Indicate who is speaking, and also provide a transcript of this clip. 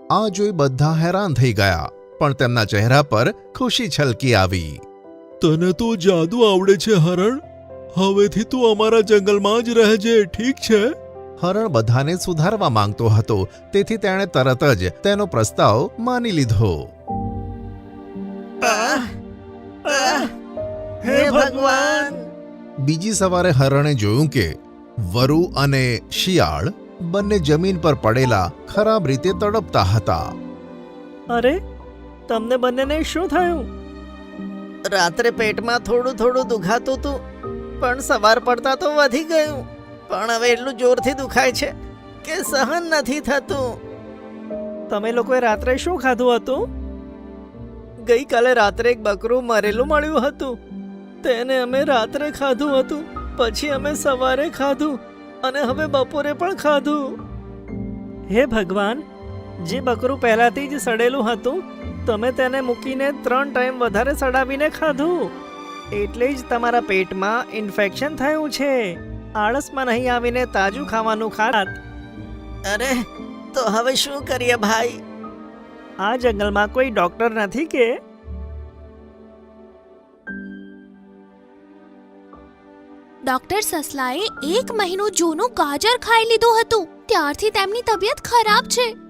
Speaker 1: આ જોઈ બધા હેરાન થઈ ગયા, પણ તેમના ચહેરા પર ખુશી છલકી આવી.
Speaker 2: તને તો જાદુ આવડે છે હરણ. હવેથી તું અમારા જંગલમાં જ રહેજે, ઠીક છે?
Speaker 1: હરણ બધાને સુધારવા માંગતો હતો, તેથી તેણે તરત જ તેનો પ્રસ્તાવ માની લીધો.
Speaker 3: હે ભગવાન!
Speaker 1: બીજી સવારે હરણે જોયું કે વરુ અને શિયાળ બંને જમીન પર પડેલા ખરાબ રીતે તડપતા હતા.
Speaker 3: અરે, તમને બંનેને શું થયું? રાત્રે પેટમાં થોડું થોડું દુખાતું હતું, પણ સવાર પડતા તો વધી ગયું. પણ હવે એટલું જોરથી દુખાય છે કે સહન નથી થતું. તમે લોકોએ રાત્રે શું ખાધું હતું? ગઈકાલે રાત્રે એક બકરું મરેલું મળ્યું હતું, તેને અમે રાત્રે ખાધું હતું. પછી અમે સવારે ખાધું અને હવે બપોરે પણ ખાધું. હે ભગવાન! જે બકરું પહેલાથી જ સડેલું હતું, તમે તેને મૂકીને 3 ટાઈમ વધારે સડાવીને ખાધું. એટલે જ તમારા પેટમાં ઇન્ફેક્શન થયું છે. આળસમાં નહીં આવીને તાજું ખાવાનું ખાત. અરે, તો હવે શું કરીએ ભાઈ? આ જંગલમાં કોઈ ડોક્ટર નથી કે?
Speaker 4: ડોક્ટર સસલાએ 1 મહિનો જૂનું ગાજર ખાઈ લીધું હતું. ત્યારથી તેમની તબિયત ખરાબ છે.